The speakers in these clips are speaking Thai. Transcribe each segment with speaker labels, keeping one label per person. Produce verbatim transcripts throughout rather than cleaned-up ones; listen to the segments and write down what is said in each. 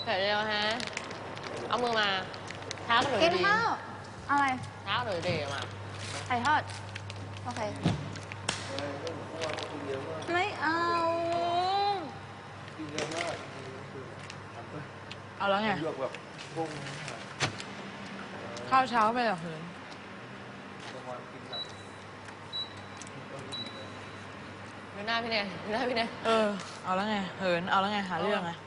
Speaker 1: ผ็ดเร็วฮะเอามือมาเท้าหนู
Speaker 2: กิน
Speaker 1: ดี
Speaker 2: ข้าวอะไร
Speaker 1: เท้าหนูดีมา
Speaker 2: ไข่ทอดโอเคไม่เอา
Speaker 3: เอาแล้วไง
Speaker 4: เลือกแบบพุ่ง
Speaker 3: ข้าวเช้าไปเหรอเหิน
Speaker 4: ประมาณกินหนัก
Speaker 1: ดูหน้าพี่เนยดูหน้าพี่เนย
Speaker 3: เออ เอาแล้วไง เหิน เอาแล้วไง หาเรื่องไง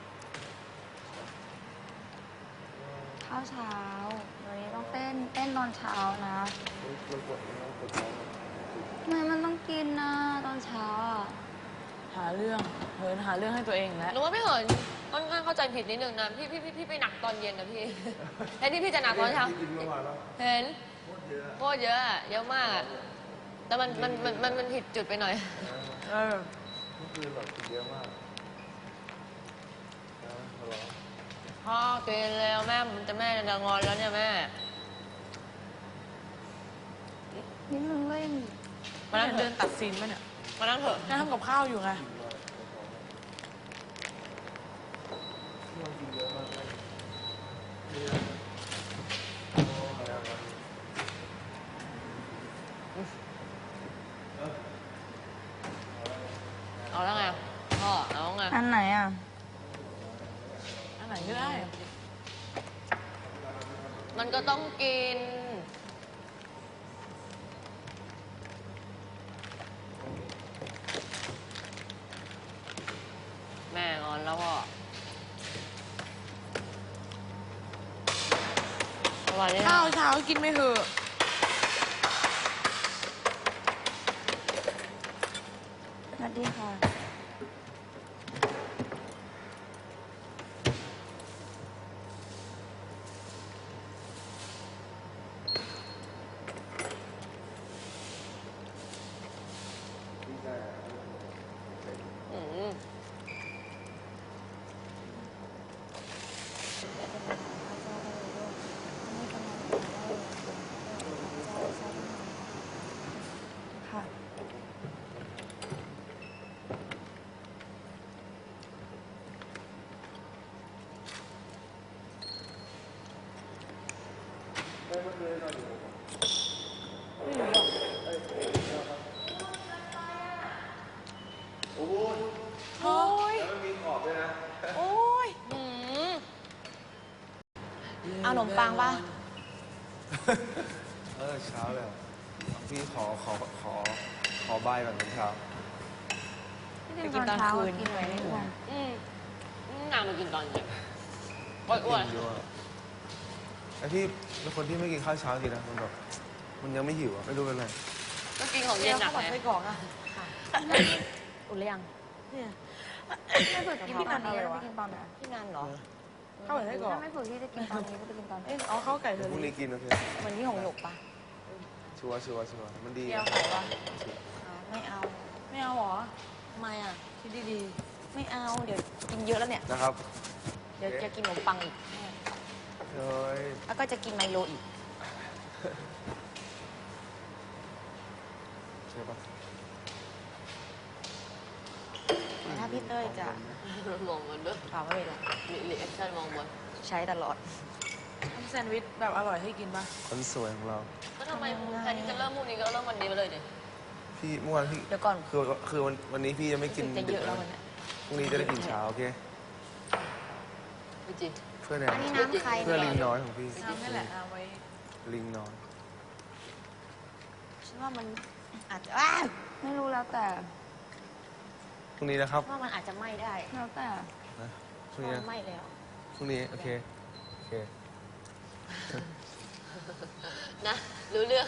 Speaker 2: ข้าวเช้าวันนี้ต้องเต้นเต้นตอนเช้านะ
Speaker 4: เราปวดเราปวดท้อง
Speaker 2: ทำไมมันต้องกินนะตอนเช้าอะ
Speaker 3: หาเรื่อง เหินหาเรื่องให้ตัวเองแล้ว
Speaker 1: หนูว่าพี่เหินค่อนข้างเข้าใจผิดนิดนึงนะพี่พี่พี่พี่ไปหนักตอนเย็นนะพี่แทนที่พี่จะหนักตอนเช้า
Speaker 4: กินเมื่อวานแล้ว
Speaker 1: เห็น
Speaker 4: โคตรเยอะ
Speaker 1: โคตรเยอะอะเยอะมากอะแต่มันมันมันมันมันผิดจุดไปหน่อย
Speaker 3: เออ
Speaker 4: เมื่อคืนแบบกินเยอะมากนะทะเลาะ
Speaker 1: พ่อกินแล้วแม่มันจะแม่จะงอนแล้วเนี่ยแม่
Speaker 2: นิดนึงเล่น
Speaker 1: มานั่งเถ
Speaker 3: เดิ
Speaker 1: อะ
Speaker 3: นตัดซีนป่ะเนี่ย
Speaker 1: มานั่งเถอะ
Speaker 3: นั่งทำกับข้าวอยู่ไง
Speaker 4: กินมากที่เรากินเยอะมากเลยเยอะโอ้ยอะไรวะ
Speaker 1: เอาแล้วไงพ่อเอาไง
Speaker 2: อันไหนอ่ะ
Speaker 3: อันไหนก็ได้
Speaker 1: มันก็ต้องกิน แม่งอนแล้วพ่อสวัสดี
Speaker 3: ข้า
Speaker 1: ค่ะ
Speaker 3: วเช้ากินไม่เหอะ
Speaker 2: สวัสดีค่ะ
Speaker 1: อืม
Speaker 2: ค่ะ
Speaker 4: ไม่เมื่อคืนนอนอยู่ โอ้ย
Speaker 3: โอ้ย
Speaker 4: แล้วมันมีขอบด้วยนะ
Speaker 3: โอ้ย
Speaker 1: อืม
Speaker 2: เอาขนมปังป่ะ
Speaker 4: เออเช้าเลยเหรอพี่ขอขอขอขอบายก่อนตอนเช้า
Speaker 2: ไปกินตอนคืนกินไว้ไม่อ้วน
Speaker 1: อืมอืมนางมากินตอนเย็นอ้วนอ้วน
Speaker 4: กินเยอะอะไอพี่เป็นคนที่ไม่กินข้าวเช้าจริงนะมันแบบมันยังไม่หิวอะไม่รู้เป็นไร
Speaker 1: ก็กินของ
Speaker 3: เรี
Speaker 1: เย็
Speaker 3: ย
Speaker 1: น
Speaker 3: ก
Speaker 1: หนั
Speaker 3: ข้าก วผัด
Speaker 1: ไง
Speaker 3: ไส้กรอกอะ
Speaker 2: อุ่นหรือยัง
Speaker 3: เนี่ย
Speaker 2: ไม่ฝึกกินตอนนี้แล้วไปกินตอนไหน
Speaker 1: พี่นันเหรอ
Speaker 3: ข้าวผัดไส้กรอก
Speaker 2: ถ้าไม่ฝึกที่จะกินตอนนี้ก็ไปกินตอนไหน
Speaker 3: เอ้ยเอาข้าวไก่เธอ
Speaker 4: พรุ่ง
Speaker 3: ดิ
Speaker 4: นี้กินโอเค
Speaker 2: เหมือนที่หงหยกปะ
Speaker 4: ชัวร์ชัวร์ชัวร์มันดี
Speaker 3: เดียว
Speaker 4: อะ
Speaker 3: ไข่ปะ
Speaker 2: ไม่เอา
Speaker 3: ไม่เอาหรอ
Speaker 2: ทำไมอ่ะ
Speaker 3: คิดดี
Speaker 2: ไม่เอา เดี๋ยวกินเยอะแล้วเนี่ย
Speaker 4: นะครับ
Speaker 2: เดี๋ยวจะกินขนมปังอีก
Speaker 4: เฮ้ย
Speaker 2: แล้วก็จะกินไมโลอีก
Speaker 4: ใช่ปะ
Speaker 2: แต่ถ้าพี่เต้ยจะ
Speaker 1: มองมันด้วย
Speaker 2: เปล่าไม่เป็นไร
Speaker 1: มีรีแอคชั่นมองบน
Speaker 2: ใช้ตลอด
Speaker 3: ๆทำแซนด์วิชแบบอร่อยให้กินปะ
Speaker 4: คนสวยของเรา
Speaker 1: ก็ทำไมแทนที่จะเริ่มพรุ่งนี้ก็เริ่มวันนี้ไปเลยดิ
Speaker 4: พี่เมื่อวานพี่
Speaker 2: เดี๋ยวก่อน
Speaker 4: คือคือวันวันนี้พี่ยังไม่กิน
Speaker 2: จะเยอะแล้ววันเนี้ย
Speaker 4: พรุ่งนี้จะได้กินเช้าโอเค
Speaker 1: พี่จี
Speaker 4: เพื่อแน
Speaker 2: อันนี้น้ำใคร
Speaker 4: เพื่อลิ
Speaker 2: เนี่ย
Speaker 4: งน้อยของพี่
Speaker 3: น้ำนี่แหละเอาไว้
Speaker 4: ลิงน้อย
Speaker 2: ฉันว่ามันอาจจะอ้าวไม่รู้แล้วแต่
Speaker 4: พรุ่งนี้นะครับ
Speaker 2: ว่ามันอาจจะไหม้ได้ แล้วแต่
Speaker 4: นะพรุ่ง
Speaker 2: ว่า
Speaker 4: นี้
Speaker 2: มัน
Speaker 4: นะ
Speaker 2: ไหม้แล้ว
Speaker 4: พรุ่งนี้โอเคโอเค
Speaker 1: นะรู้เรื่อง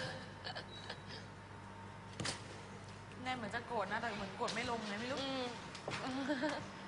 Speaker 3: แน่เหมือนจะโกรธนะแต่เหมือนกดไม่ลงไงไม่รู้
Speaker 1: อืม